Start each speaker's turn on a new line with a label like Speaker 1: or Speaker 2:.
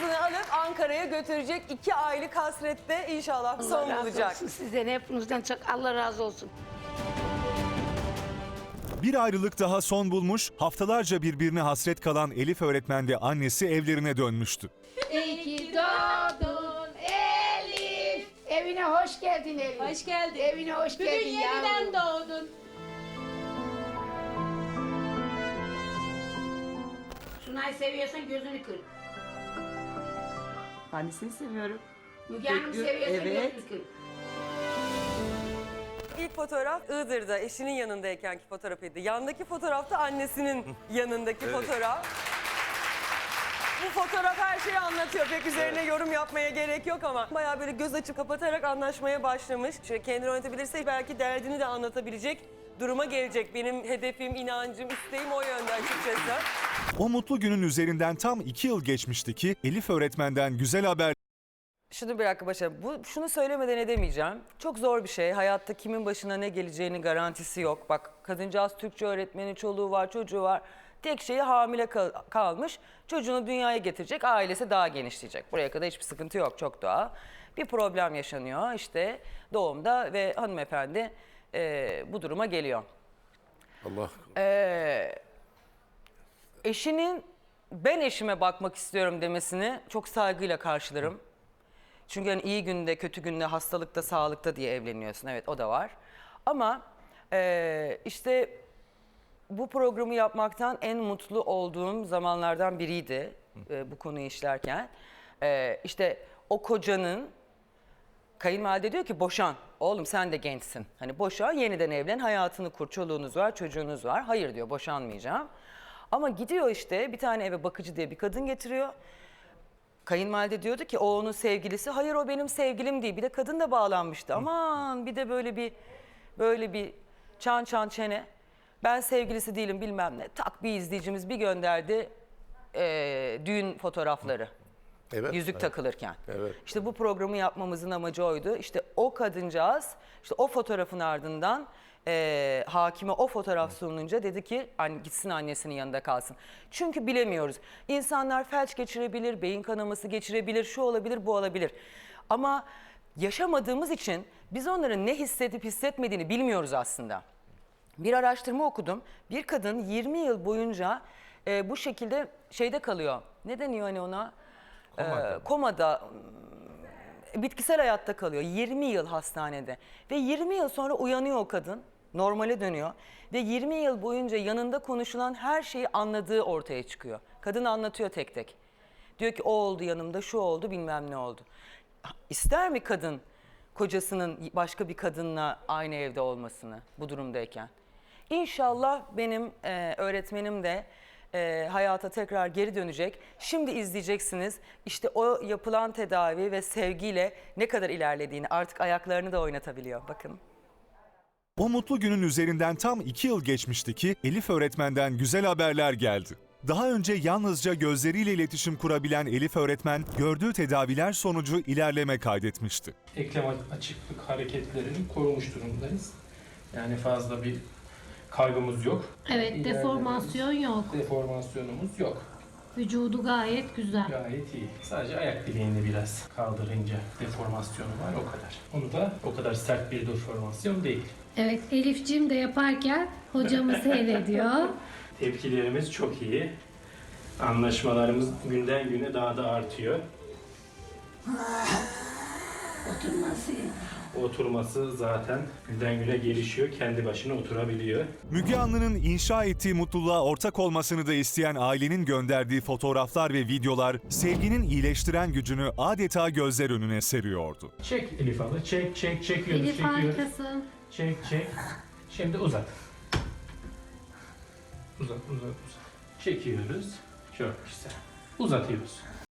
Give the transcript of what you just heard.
Speaker 1: kızını alıp Ankara'ya götürecek. 2 aylık hasrette inşallah son
Speaker 2: Allah razı
Speaker 1: bulacak.
Speaker 2: olsun sizden, hepinizden çok Allah razı olsun.
Speaker 3: Bir ayrılık daha son bulmuş, haftalarca birbirine hasret kalan Elif öğretmen ve annesi evlerine dönmüştü.
Speaker 2: İyi ki doğdun Elif. Evine hoş geldin Elif.
Speaker 4: Hoş geldin.
Speaker 2: Evine hoş
Speaker 4: Bugün
Speaker 2: geldin
Speaker 4: yeniden
Speaker 2: yavrum.
Speaker 4: doğdun.
Speaker 2: Sunay'ı seviyorsan gözünü kır.
Speaker 5: Annesini seviyorum.
Speaker 2: Müge Hanım
Speaker 5: Bekliyor,
Speaker 2: seviyorsan
Speaker 5: evet.
Speaker 2: gözünü kır.
Speaker 1: İlk fotoğraf Iğdır'da eşinin yanındaykenki fotoğrafıydı. Yandaki fotoğrafta annesinin yanındaki fotoğraf. Bu fotoğraf her şeyi anlatıyor. Pek üzerine yorum yapmaya gerek yok ama bayağı böyle göz açıp kapatarak anlaşmaya başlamış. Şöyle kendini yönetebilirse belki derdini de anlatabilecek duruma gelecek. Benim hedefim, inancım, isteğim o yönde açıkçası.
Speaker 3: O mutlu günün üzerinden tam 2 yıl geçmişti ki Elif öğretmenden güzel haber.
Speaker 1: Şunu bir dakika başa. Şunu söylemeden edemeyeceğim. Çok zor bir şey. Hayatta kimin başına ne geleceğinin garantisi yok. Bak kadıncağız Türkçe öğretmeni, çoluğu var, çocuğu var. Tek şeyi hamile kalmış. Çocuğunu dünyaya getirecek, ailesi daha genişleyecek. Buraya kadar hiçbir sıkıntı yok, çok doğal. Bir problem yaşanıyor işte doğumda ve hanımefendi bu duruma geliyor.
Speaker 6: Allah
Speaker 1: Eşinin ben eşime bakmak istiyorum demesini çok saygıyla karşılarım. Çünkü hani iyi günde, kötü günde, hastalıkta, sağlıkta diye evleniyorsun. Evet o da var. Ama işte bu programı yapmaktan en mutlu olduğum zamanlardan biriydi bu konuyu işlerken. İşte o kocanın, kayınvalide diyor ki boşan. Oğlum sen de gençsin. Hani boşan, yeniden evlen, hayatını kur, çoluğunuz var, çocuğunuz var. Hayır diyor, boşanmayacağım. Ama gidiyor işte bir tane eve bakıcı diye bir kadın getiriyor. Kayınvalide diyordu ki o onun sevgilisi. Hayır o benim sevgilim değil. Bir de kadın da bağlanmıştı. Aman bir de böyle bir çan çene. Ben sevgilisi değilim bilmem ne. Tak bir izleyicimiz bir gönderdi düğün fotoğrafları.
Speaker 6: evet.
Speaker 1: Yüzük takılırken.
Speaker 6: Evet.
Speaker 1: İşte bu programı yapmamızın amacı oydu. İşte o kadıncağız işte o fotoğrafın ardından hakime o fotoğraf sunulunca dedi ki gitsin annesinin yanında kalsın. Çünkü bilemiyoruz. İnsanlar felç geçirebilir, beyin kanaması geçirebilir, şu olabilir, bu olabilir. Ama yaşamadığımız için biz onların ne hissedip hissetmediğini bilmiyoruz aslında. Bir araştırma okudum. Bir kadın 20 yıl boyunca bu şekilde şeyde kalıyor. Ne deniyor hani ona? Komada, bitkisel hayatta kalıyor. 20 yıl hastanede. Ve 20 yıl sonra uyanıyor o kadın. Normale dönüyor. Ve 20 yıl boyunca yanında konuşulan her şeyi anladığı ortaya çıkıyor. Kadın anlatıyor tek tek. Diyor ki o oldu yanımda, şu oldu, bilmem ne oldu. İster mi kadın kocasının başka bir kadınla aynı evde olmasını bu durumdayken? İnşallah benim öğretmenim de hayata tekrar geri dönecek. Şimdi izleyeceksiniz işte o yapılan tedavi ve sevgiyle ne kadar ilerlediğini, artık ayaklarını da oynatabiliyor. Bakın.
Speaker 3: O mutlu günün üzerinden tam 2 yıl geçmişti ki Elif öğretmenden güzel haberler geldi. Daha önce yalnızca gözleriyle iletişim kurabilen Elif öğretmen gördüğü tedaviler sonucu ilerleme kaydetmişti.
Speaker 7: Eklem açıklık hareketlerini korumuş durumdayız. Yani fazla bir kaybımız yok.
Speaker 4: Evet, deformasyon yok.
Speaker 7: Deformasyonumuz yok.
Speaker 4: Vücudu gayet güzel.
Speaker 7: Gayet iyi. Sadece ayak bileğinde biraz kaldırınca deformasyonu var o kadar. Onu da o kadar sert bir deformasyon değil.
Speaker 4: Evet, Elif'cim de yaparken hocamı seyrediyor.
Speaker 7: Tepkilerimiz çok iyi. Anlaşmalarımız günden güne daha da artıyor.
Speaker 2: Oturması.
Speaker 7: Oturması zaten günden güne gelişiyor. Kendi başına oturabiliyor.
Speaker 3: Müge Anlı'nın inşa ettiği mutluluğa ortak olmasını da isteyen ailenin gönderdiği fotoğraflar ve videolar sevginin iyileştiren gücünü adeta gözler önüne seriyordu.
Speaker 7: Çek Elif abla. Çekiyoruz.
Speaker 4: Elif harikasın.
Speaker 7: Çek. Şimdi uzat. Uzat. Çekiyoruz. Çok güzel. Uzatıyoruz.